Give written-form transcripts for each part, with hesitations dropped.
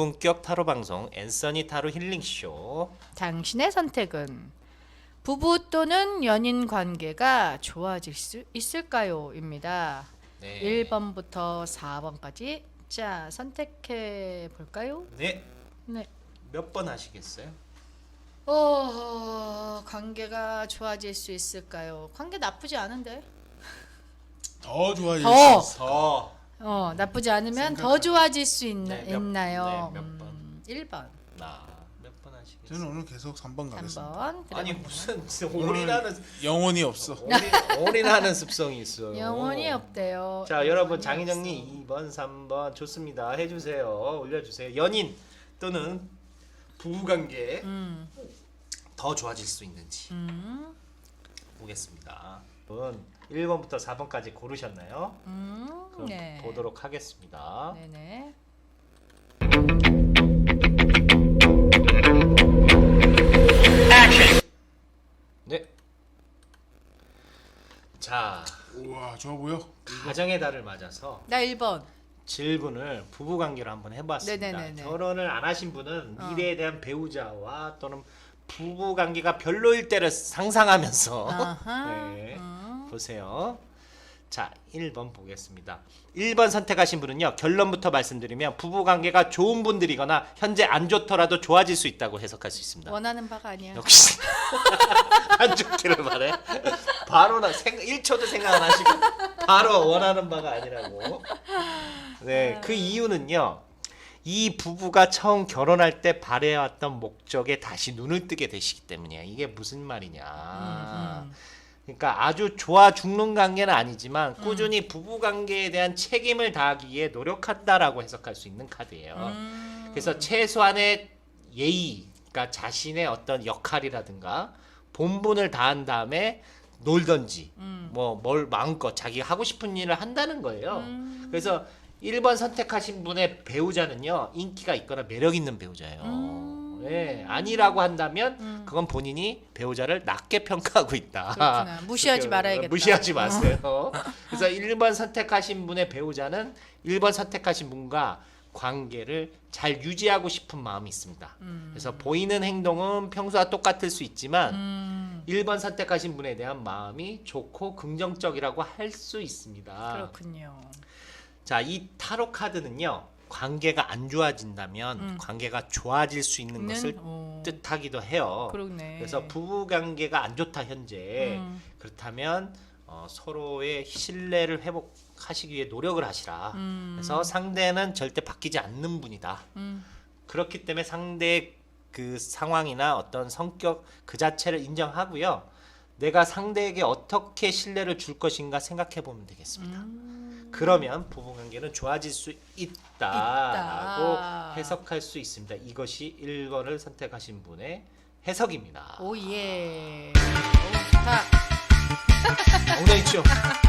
고품격 타로 방송 앤서니 타로 힐링쇼. 당신의 선택은 부부 또는 연인 관계가 좋아질 수 있을까요? 입니다. 네. 1번부터 4번까지 자 선택해 볼까요? 네. 네. 몇 번 하시겠어요? 관계가 좋아질 수 있을까요? 관계 나쁘지 않은데. 더 좋아질 더. 수 있어. 나쁘지 않으면 더 생각하면. 좋아질 수 네, 있나요? 몇 번? 1번, 몇 번 하시겠어요? 저는 오늘 계속 3번 가겠습니다. 3번. 아니 무슨 오늘 올인하는 영혼이 없어. 올인하는 습성이 있어요. 영혼이 없대요. 자 여러분 영혼이 장희정님 2번 3번 좋습니다. 해주세요. 올려주세요. 연인 또는 부부관계 더 좋아질 수 있는지 보겠습니다. 여러분 1번부터 4번까지 고르셨나요? 그럼 네. 보도록 하겠습니다. 네네. 네. 자 우와 좋아 보여. 가정의 달을 맞아서 나 1번. 질문을 부부관계로 한번 해봤습니다. 네네네네. 결혼을 안 하신 분은 미래에 대한 배우자와 또는 부부관계가 별로일 때를 상상하면서 아하. 네, 보세요. 자 1번 보겠습니다. 1번 선택하신 분은요, 결론부터 말씀드리면 부부관계가 좋은 분들이거나 현재 안 좋더라도 좋아질 수 있다고 해석할 수 있습니다. 원하는 바가 아니야. 역시 안 좋기를 바래. 바로 1초도 생각 안 하시고 바로 원하는 바가 아니라고. 네, 그 이유는요, 이 부부가 처음 결혼할 때 바래왔던 목적에 다시 눈을 뜨게 되시기 때문이야. 이게 무슨 말이냐. 그러니까 아주 좋아 죽는 관계는 아니지만 꾸준히 부부 관계에 대한 책임을 다하기 위해 노력한다라고 해석할 수 있는 카드예요. 그래서 최소한의 예의, 그러니까 자신의 어떤 역할이라든가 본분을 다한 다음에 놀던지 뭐 뭘 마음껏 자기가 하고 싶은 일을 한다는 거예요. 그래서 1번 선택하신 분의 배우자는요, 인기가 있거나 매력 있는 배우자예요. 네, 아니라고 한다면 그건 본인이 배우자를 낮게 평가하고 있다. 그렇구나. 무시하지 말아야겠다. 무시하지 마세요. 그래서 1번 선택하신 분의 배우자는 1번 선택하신 분과 관계를 잘 유지하고 싶은 마음이 있습니다. 그래서 보이는 행동은 평소와 똑같을 수 있지만 1번 선택하신 분에 대한 마음이 좋고 긍정적이라고 할 수 있습니다. 그렇군요. 자, 이 타로 카드는요, 관계가 안 좋아진다면 관계가 좋아질 수 있는 것을 뜻하기도 해요. 그러네. 그래서 부부 관계가 안 좋다 현재. 그렇다면 서로의 신뢰를 회복하시기 위해 노력을 하시라. 그래서 상대는 절대 바뀌지 않는 분이다. 그렇기 때문에 상대의 그 상황이나 어떤 성격 그 자체를 인정하고요, 내가 상대에게 어떻게 신뢰를 줄 것인가 생각해 보면 되겠습니다. 그러면 부부관계는 좋아질 수 있다라고 해석할 수 있습니다. 이것이 1번을 선택하신 분의 해석입니다. 오예. 오, 좋다. 엉덩이 춤.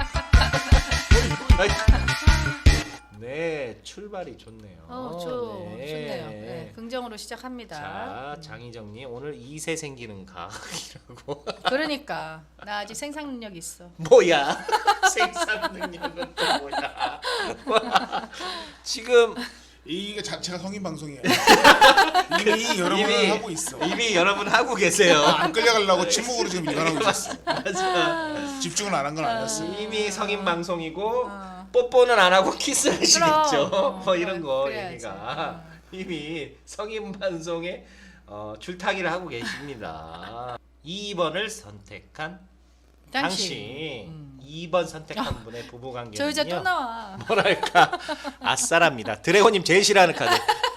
네, 출발이 좋네요. 좋네요. 네, 긍정으로 시작합니다. 자, 장희정님 오늘 2세 생기는 각이라고. 그러니까 나 아직 생산 능력 있어. 뭐야? 생산 능력은 또 뭐야? 지금 이게 자체가 성인 방송이야. 이미 여러 번 하고 있어. 이미 여러분 하고 계세요. 안 끌려가려고 침묵으로 지금 일관하고 있었어. 맞아. 집중을 안 한 건 아니었어. 이미 성인 방송이고 뽀뽀는 안 하고 키스하시겠죠. 그럼. 뭐 이런 거 그래야지. 얘기가 이미 성인 방송에 줄타기를 하고 계십니다. 2번을 선택한 당신 2번 선택한 분의 부부관계는요, 저 여자 또 나와. 뭐랄까 아싸랍니다. 드래곤님 제일 싫어하는 카드.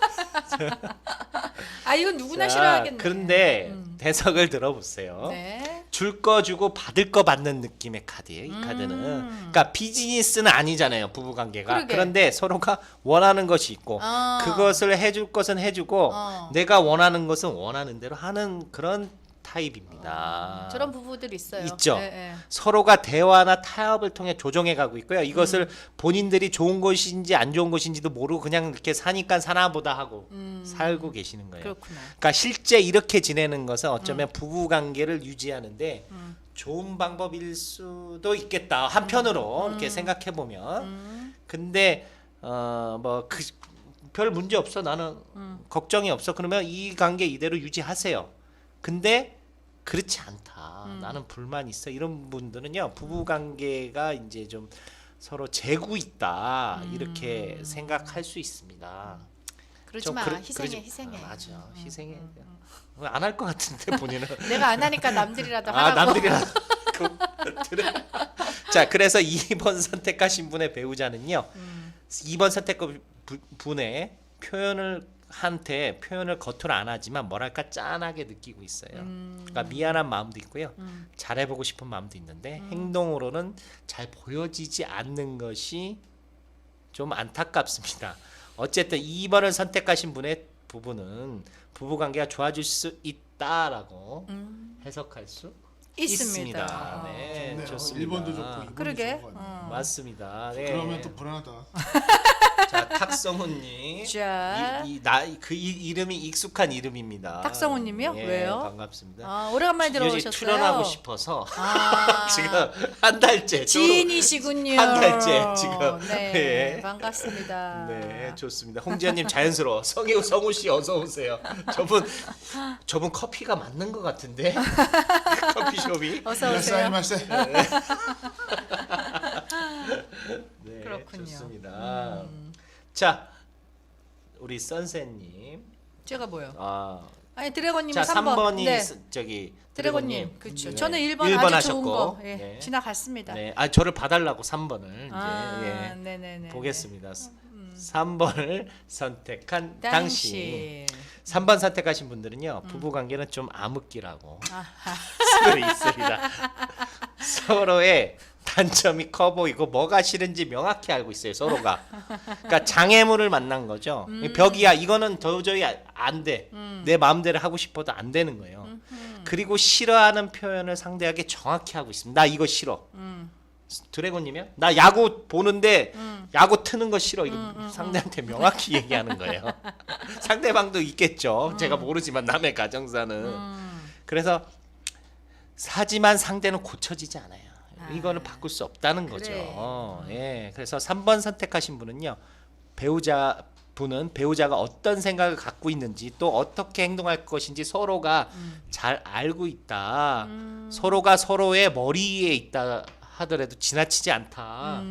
아 이건 누구나 자, 싫어하겠네. 그런데 해석을 들어보세요. 네. 줄 거 주고 받을 거 받는 느낌의 카드예요. 이 카드는. 그러니까 비즈니스는 아니잖아요, 부부관계가. 그러게. 그런데 서로가 원하는 것이 있고 그것을 해줄 것은 해주고 내가 원하는 것은 원하는 대로 하는 그런 타입입니다. 저런 부부들 있어요. 있죠. 네, 네. 서로가 대화나 타협을 통해 조정해 가고 있고요. 이것을 본인들이 좋은 것인지 안 좋은 것인지도 모르고 그냥 이렇게 사니까 사나보다 하고 살고 계시는 거예요. 그렇구나. 그러니까 실제 이렇게 지내는 것은 어쩌면 부부 관계를 유지하는데 좋은 방법일 수도 있겠다. 한편으로 이렇게 생각해 보면. 근데 뭐 별 문제 없어. 나는 걱정이 없어. 그러면 이 관계 이대로 유지하세요. 근데 그렇지 않다. 나는 불만 있어. 이런 분들은요. 부부 관계가 이제 좀 서로 재고 있다. 이렇게 생각할 수 있습니다. 그러지 좀 마. 그러- 희생해, 그러지- 희생해. 맞아. 희생해. 안 할 것 같은데 본인은. 내가 안 하니까 남들이라도 아, 하라고. 남들이라. 자, 그래서 2번 선택하신 분의 배우자는요. 2번 선택한 분의 표현을 겉으로 안 하지만 뭐랄까 짠하게 느끼고 있어요. 그러니까 미안한 마음도 있고요. 잘해보고 싶은 마음도 있는데 행동으로는 잘 보여지지 않는 것이 좀 안타깝습니다. 어쨌든 2번을 선택하신 분의 부부는 부부관계가 좋아질 수 있다라고 해석할 수 있습니다. 있습니다. 네, 좋네요. 좋습니다. 1번도 좋고 2번도 그러게. 좋은 것 같네요. 맞습니다. 네. 그러면 또 불안하다. 자, 탁성훈님. 자. 그 이름이 익숙한 이름입니다. 탁성훈님이요? 예, 왜요? 반갑습니다. 아, 오래간만에 여기 들어오셨어요. 출연하고 싶어서 아, 지금 한 달째 지인이시군요. 한 달째 지금. 네, 예. 반갑습니다. 네, 좋습니다. 홍지연님 자연스러워. 성우 씨 어서 오세요. 저분 커피가 맞는 것 같은데 커피숍이. 어서 오세요. 이라사이마세. 네, 그렇군요. 좋습니다. 자, 우리 선생님. 제가 뭐요? 아, 아니 드래곤님 자, 3번. 3번이 네. 저기 드래곤님. 그렇죠. 네. 저는 1번 1번 아주 좋은 하셨고. 거. 예, 네. 지나갔습니다. 네, 아 저를 봐달라고 3번을 이제 아, 예, 네네네. 보겠습니다. 3번을 선택한 당신. 당신. 3번 선택하신 분들은요 부부 관계는 좀 암흑기라고 아하. 쓰고 있습니다. 서로의 단점이 커 보이고 뭐가 싫은지 명확히 알고 있어요 서로가. 그러니까 장애물을 만난 거죠. 벽이야 이거는 도저히 안 돼. 내 마음대로 하고 싶어도 안 되는 거예요. 그리고 싫어하는 표현을 상대에게 정확히 하고 있습니다. 나 이거 싫어. 드래곤님이요? 나 야구 보는데 야구 트는 거 싫어. 이거 상대한테 명확히 얘기하는 거예요. 상대방도 있겠죠. 제가 모르지만 남의 가정사는. 그래서 하지만 상대는 고쳐지지 않아요. 이거는 바꿀 수 없다는 거죠. 그래. 예, 그래서 3번 선택하신 분은요. 배우자가 어떤 생각을 갖고 있는지 또 어떻게 행동할 것인지 서로가 잘 알고 있다. 서로가 서로의 머리에 있다 하더라도 지나치지 않다.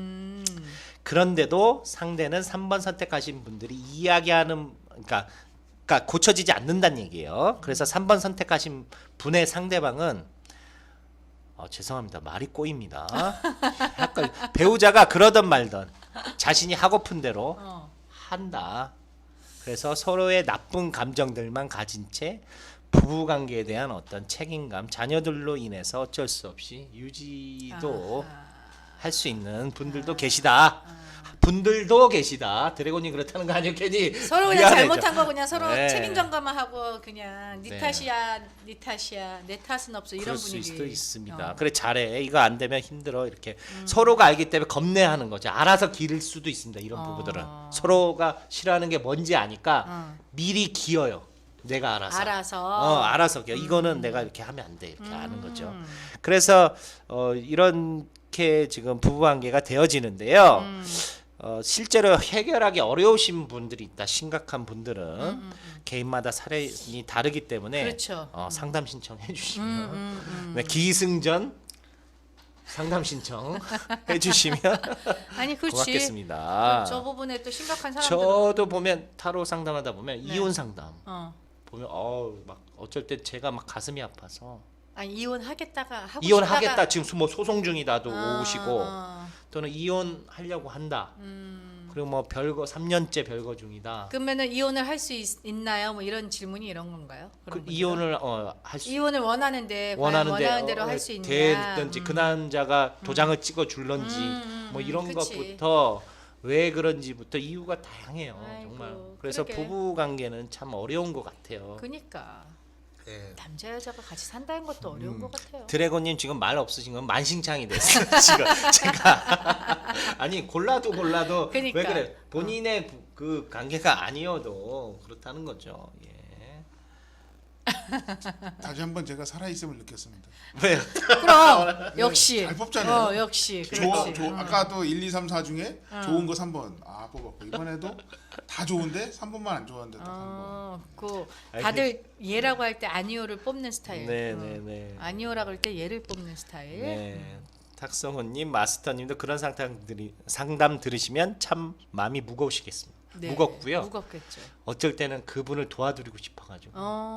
그런데도 상대는 3번 선택하신 분들이 이야기하는 그러니까 고쳐지지 않는다는 얘기예요. 그래서 3번 선택하신 분의 상대방은 죄송합니다. 말이 꼬입니다. 약간 배우자가 그러던 말던 자신이 하고픈 대로 한다. 그래서 서로의 나쁜 감정들만 가진 채 부부관계에 대한 어떤 책임감, 자녀들로 인해서 어쩔 수 없이 유지도 할 수 있는 분들도 계시다. 분들도 계시다. 드래곤이 그렇다는 거 아니에요? 괜히 서로 그냥 미안해져. 잘못한 거 그냥 서로 네. 책임 전가만 하고 그냥 네 네. 탓이야, 네 탓이야, 내 탓은 없어 이런 그럴 수 분위기. 수도 있습니다. 그래 잘해. 이거 안 되면 힘들어. 이렇게 서로가 알기 때문에 겁내하는 거죠. 알아서 기를 수도 있습니다. 이런 부부들은 서로가 싫어하는 게 뭔지 아니까 미리 기어요. 내가 알아서. 알아서 기어. 이거는 내가 이렇게 하면 안 돼. 이렇게 아는 거죠. 그래서 이렇게 지금 부부관계가 되어지는데요. 실제로 해결하기 어려우신 분들이 있다. 심각한 분들은 개인마다 사례이 다르기 때문에 그렇죠. 상담 신청해 주시면 네, 기승전 상담 신청 해주시면 아니 그렇지. 고맙겠습니다. 저 부분에 또 심각한 사람들. 저도 보면 타로 상담하다 보면 네. 이혼 상담 어. 보면 막 어쩔 때 제가 막 가슴이 아파서 아니 이혼하겠다가 하고 이혼하겠다 싶다가 지금 뭐 소송 중이다도 아, 오시고 아. 또는 이혼하려고 한다. 그리고 뭐 별거 3년째 별거 중이다. 그러면은 이혼을 할 수 있나요? 뭐 이런 질문이 이런 건가요? 그 그런 분들은? 이혼을 할 수 이혼을 원하는데 원하는데 원하는 대로 할 수 있냐? 되든지 그 남자가 도장을 찍어 줄런지 뭐 이런 그치. 것부터 왜 그런지부터 이유가 다양해요. 아이고, 정말. 그래서 그러게. 부부 관계는 참 어려운 것 같아요. 그니까 네. 남자 여자가 같이 산다는 것도 어려운 것 같아요. 드래곤님 지금 말 없으신 건 만신창이 됐어요. 지금 제가 아니 골라도 그러니까. 왜 그래? 본인의 그 관계가 아니어도 그렇다는 거죠. 예. 다시 한번 제가 살아있음을 느꼈습니다. 왜요? 그럼 역시. 잘 뽑잖아요. 역시. 좋아, 그렇지. 아까도 1, 2, 3, 4 중에 좋은 거 3번 뽑았고 이번에도 다 좋은데 3번만 안 좋았는데 딱 3번. 그 다들 얘라고 할 때 아니오를 뽑는 스타일. 네네네. 아니오라고 할 때 얘를 뽑는 스타일. 네. 탁성호님, 마스터님도 그런 상담 들으시면 참 마음이 무거우시겠습니다. 네, 무겁고요. 무겁겠죠. 어쩔 때는 그분을 도와드리고 싶어가지고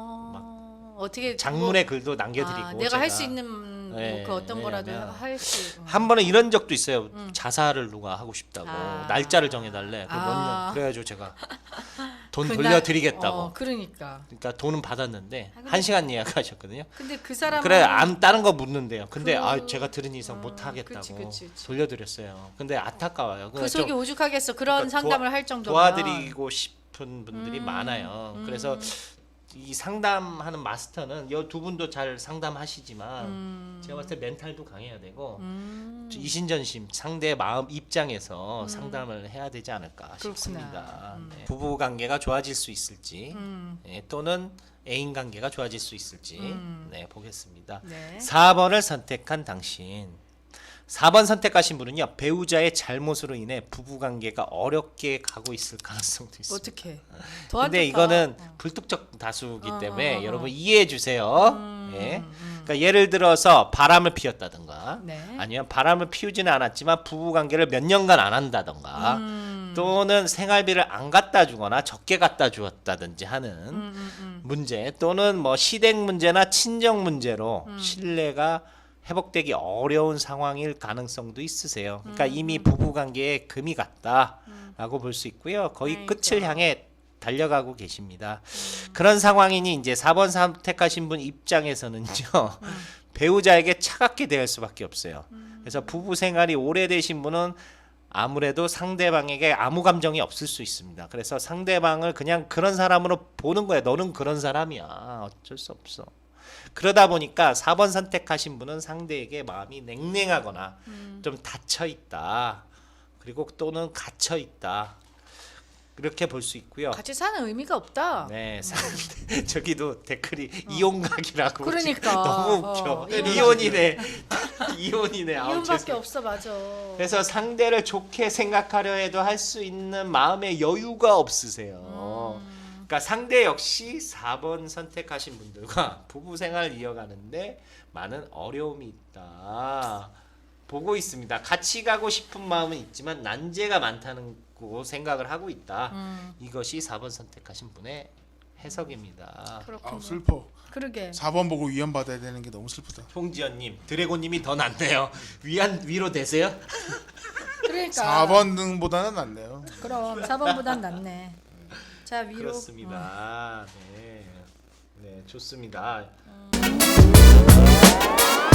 어떻게 장문의 글도 남겨드리고 내가 할 수 제가 있는 네, 그 어떤 거라도 왜냐면 할 수. 한 번은 이런 적도 있어요. 자살을 누가 하고 싶다고 아. 날짜를 정해달래. 그 몇 아. 년 그래가지고 제가 돈 그날- 돌려드리겠다고. 그러니까. 그러니까 돈은 받았는데 근데- 1시간 예약하셨거든요. 근데 그 사람은 그래 안 다른 거 묻는데요. 근데 그- 제가 들은 이상 못 하겠다고 그치. 돌려드렸어요. 근데 안타까워요. 그 속이 좀 오죽하겠어. 그런 그러니까 상담을 할 정도면 도와드리고 싶은 분들이 많아요. 그래서 이 상담하는 마스터는 이 두 분도 잘 상담하시지만 제가 봤을 때 멘탈도 강해야 되고 이신전심 상대의 마음 입장에서 상담을 해야 되지 않을까 싶습니다. 네. 부부 관계가 좋아질 수 있을지 네, 또는 애인 관계가 좋아질 수 있을지 네, 보겠습니다. 네. 4번을 선택한 당신. 4번 선택하신 분은요. 배우자의 잘못으로 인해 부부 관계가 어렵게 가고 있을 가능성도 있습니다. 어떻게? 근데 이거는 불특정 다수기 때문에 여러분 이해해 주세요. 예. 그러니까 예를 들어서 바람을 피웠다든가 네. 아니면 바람을 피우지는 않았지만 부부 관계를 몇 년간 안 한다든가 또는 생활비를 안 갖다 주거나 적게 갖다 주었다든지 하는 문제 또는 뭐 시댁 문제나 친정 문제로 신뢰가 회복되기 어려운 상황일 가능성도 있으세요. 그러니까 이미 부부 관계에 금이 갔다라고 볼 수 있고요. 거의 아이고. 끝을 향해 달려가고 계십니다. 그런 상황이니 이제 4번 선택하신 분 입장에서는요. 배우자에게 차갑게 대할 수밖에 없어요. 그래서 부부 생활이 오래되신 분은 아무래도 상대방에게 아무 감정이 없을 수 있습니다. 그래서 상대방을 그냥 그런 사람으로 보는 거야. 너는 그런 사람이야. 어쩔 수 없어. 그러다 보니까 4번 선택하신 분은 상대에게 마음이 냉랭하거나 좀 닫혀 있다. 그리고 또는 갇혀 있다. 이렇게 볼 수 있고요. 같이 사는 의미가 없다. 네, 저기도 댓글이 이혼각이라고. 그러니까. 너무 웃겨. 이혼각. 이혼이네. 이혼이네. 아우, 이혼밖에 죄송해요. 없어, 맞아. 그래서 상대를 좋게 생각하려 해도 할 수 있는 마음의 여유가 없으세요. 그러니까 상대 역시 4번 선택하신 분들과 부부 생활을 이어가는데 많은 어려움이 있다. 보고 있습니다. 같이 가고 싶은 마음은 있지만 난제가 많다는 거 생각을 하고 있다. 이것이 4번 선택하신 분의 해석입니다. 그렇군요. 슬퍼. 그러게. 4번 보고 위안 받아야 되는 게 너무 슬프다. 홍지연님, 드래곤님이 더 낫네요. 위로 되세요? 그러니까. 4번 등보다는 낫네요. 그럼 4번보단 낫네. 자, 위로. 그렇습니다. 네, 네, 좋습니다.